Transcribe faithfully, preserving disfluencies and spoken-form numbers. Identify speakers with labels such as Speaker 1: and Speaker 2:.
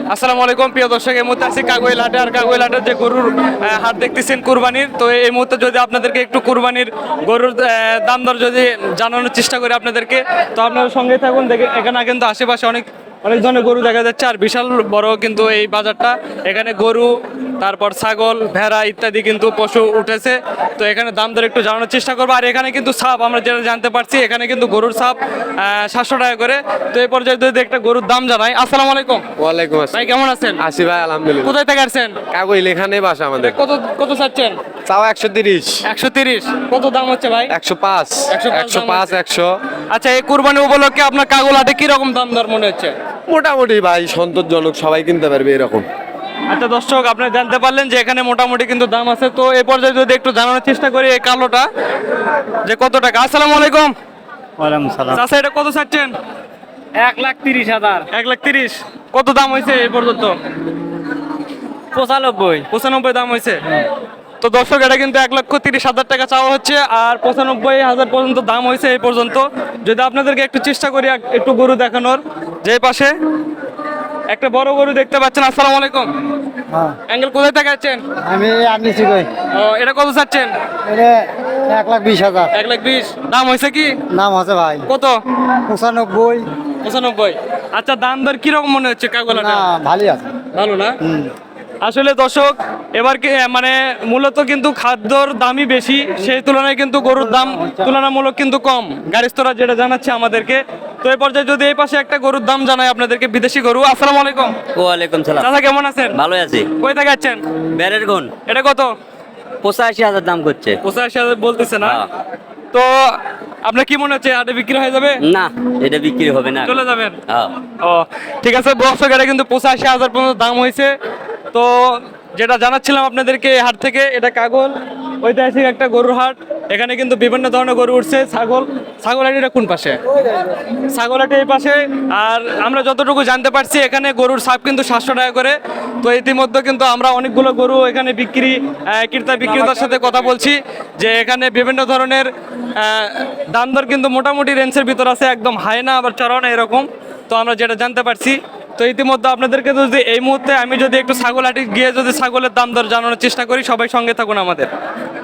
Speaker 1: আসসালামু আলাইকুম প্রিয় দর্শক, এই মুহূর্তে আছি কাগইল হাটে। আর কাগইল হাটের যে গরুর আহ, হাট দেখতেছেন কুরবানির, তো এই মুহূর্তে যদি আপনাদেরকে একটু কুরবানির গরুর আহ, দাম দর যদি জানানোর চেষ্টা করি আপনাদেরকে, তো আপনারা সঙ্গে থাকুন। দেখে এখানে কিন্তু আশেপাশে অনেক অনেক ধরনের গরু দেখা যাচ্ছে, আর বিশাল বড় কিন্তু এই বাজারটা। এখানে গরু, তারপর ছাগল, ভেড়া ইত্যাদি কিন্তু পশু উঠেছে। তো এখানে দাম দর একটু জানানোর চেষ্টা করবো। আর এখানে কিন্তু সাপ, আমরা যেটা জানতে পারছি, এখানে কিন্তু গরুর সাপ সাতশো টাকা করে। তো এই পর্যায়ে যদি একটা গরুর দাম জানাই। আসসালামু আলাইকুম।
Speaker 2: ওয়ালাইকুম
Speaker 1: ভাই
Speaker 2: আসসালাম।
Speaker 1: কেমন আছেন?
Speaker 2: আসি ভাই, আলহামদুলিল্লাহ।
Speaker 1: কোথায় থেকে আসছেন?
Speaker 2: কাগইল এখানে বাসা আমাদের।
Speaker 1: কত কত চাচ্ছেন?
Speaker 2: চাও একশো তিরিশ,
Speaker 1: একশো তিরিশ। কত দাম হচ্ছে ভাই?
Speaker 2: একশো পাঁচ,
Speaker 1: একশো পাঁচ
Speaker 2: একশো
Speaker 1: দাম
Speaker 2: পাঁচ,
Speaker 1: হচ্ছে।
Speaker 2: একশো।
Speaker 1: আচ্ছা, এই কুরবানি উপলক্ষে আপনার কাগল হাটে কিরকম দাম দর মনে হচ্ছে?
Speaker 2: মোটামুটি ভাই সন্তোষজনক, সবাই কিনতে পারবে এরকম।
Speaker 1: আচ্ছা দর্শক, আপনারা জানতে পারলেন যে এখানে মোটামুটি কিন্তু দাম আছে। তো এই পর্যায়ে যদি একটু জানানোর চেষ্টা করি এই কালোটা যে কত টাকা। আসসালামু আলাইকুম।
Speaker 3: ওয়ালাইকুম সালাম।
Speaker 1: চাচা এটা কত চাচ্ছেন?
Speaker 3: এক লাখ তিরিশ হাজার।
Speaker 1: এক লাখ তিরিশ। কত দাম হয়েছে এই পর্যন্ত?
Speaker 3: পঁচানব্বই।
Speaker 1: পঁচানব্বই দাম হয়েছে। তো দর্শক, এটা কিন্তু এক লক্ষ তিরিশ হাজার টাকা চাওয়া হচ্ছে, আর পঁচানব্বই হাজার পর্যন্ত দাম হয়েছে এই পর্যন্ত। যদি আপনাদেরকে একটু চেষ্টা করি এক- একটু গরু দেখানোর, যে পাশে একটা বড় গরু দেখতে পাচ্ছেন। আসসালামু আলাইকুম।
Speaker 3: হ্যাঁ,
Speaker 1: অ্যাঙ্গেল কোথায় থেকে আছেন?
Speaker 3: আমি আনিছি কই।
Speaker 1: ও, এটা কত চাচ্ছেন?
Speaker 3: এটা এক লাখ বিশ হাজার।
Speaker 1: এক লাখ বিশ। দাম হয়েছে কি?
Speaker 3: নাম আছে ভাই
Speaker 1: কত?
Speaker 3: পঁচানব্বই।
Speaker 1: পঁচানব্বই। আচ্ছা, দাম দর কিরকম মনে হচ্ছে কাগলাটা?
Speaker 3: না, ভালোই আছে।
Speaker 1: ভালো না?
Speaker 3: হুম।
Speaker 1: আসলে দর্শক, এবার কি মানে মূলত কিন্তু খাদ্যর দামই বেশি, সেই তুলনায় কিন্তু গরুর দাম তুলনামূলক কিন্তু কম। গাড়িস্তরা যেটা জানাচ্ছে আমাদেরকে। তো এই পর্যায়ে যদি এই পাশে একটা গরুর দাম জানাই আপনাদেরকে, বিদেশি গরু। আসসালামু আলাইকুম।
Speaker 4: ওয়ালাইকুম সালাম।
Speaker 1: চাচা কেমন আছেন?
Speaker 4: ভালো আছি।
Speaker 1: কই থেকে আছেন?
Speaker 4: ব্যারের গুণ
Speaker 1: এটা কত?
Speaker 4: পঁচাশি হাজার দাম করছে।
Speaker 1: পঁচাশি হাজার বলতেছে না?
Speaker 4: হ্যাঁ।
Speaker 1: তো আপনার কি মনে হচ্ছে হাটে বিক্রি হয়ে যাবে?
Speaker 4: না, এটা বিক্রি হবে না।
Speaker 1: চলে যাবেন?
Speaker 4: হ্যাঁ।
Speaker 1: ও ঠিক আছে দর্শক, এটা কিন্তু পঁচাশি হাজার পর্যন্ত দাম হয়েছে। তো যেটা জানাচ্ছিলাম আপনাদেরকে এই হাট থেকে, এটা কাগল ঐতিহাসিক একটা গরুর হাট। এখানে কিন্তু বিভিন্ন ধরনের গরু উঠছে। ছাগল ছাগল হাটিটা কোন পাশে? ছাগল হাটি এই পাশে। আর আমরা যতটুকু জানতে পারছি, এখানে গরুর সাপ কিন্তু সাতশো টাকা করে। তো ইতিমধ্যে কিন্তু আমরা অনেকগুলো গরু এখানে বিক্রি আহ, ক্রেতা বিক্রেতার সাথে কথা বলছি, যে এখানে বিভিন্ন ধরনের আহ, দাম দর কিন্তু মোটামুটি রেঞ্জের ভিতর আছে, একদম হাই না আবার চড়াও না এরকম। তো আমরা যেটা জানতে পারছি, তো ইতিমধ্যে আপনাদেরকে যদি এই মুহূর্তে আমি যদি একটু ছাগল হাটি গিয়ে যদি ছাগলের দাম দর জানানোর চেষ্টা করি, সবাই সঙ্গে থাকুন আমাদের।